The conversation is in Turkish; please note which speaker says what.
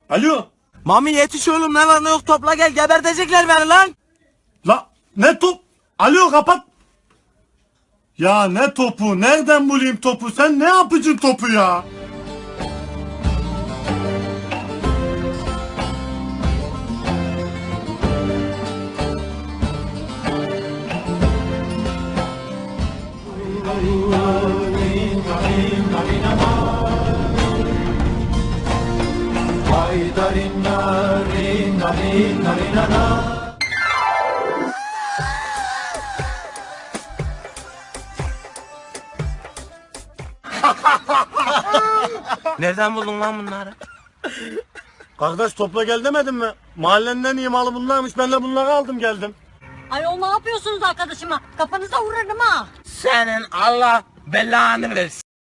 Speaker 1: Alo.
Speaker 2: Mami yetiş oğlum, ne var ne yok topla gel, gebertecekler beni lan.
Speaker 1: La ne top? Alo kapat. Ya ne topu? Nereden bulayım topu? Sen ne yapıcın topu ya?
Speaker 2: Nereden buldun lan bunları?
Speaker 1: Kardeş topla gel demedim mi? Mahallenin en iyi malı bunlarmış. Ben de bunları aldım geldim.
Speaker 3: Ayol ne yapıyorsunuz arkadaşıma? Kafanıza vurarım ha.
Speaker 2: Senin Allah belanı versin.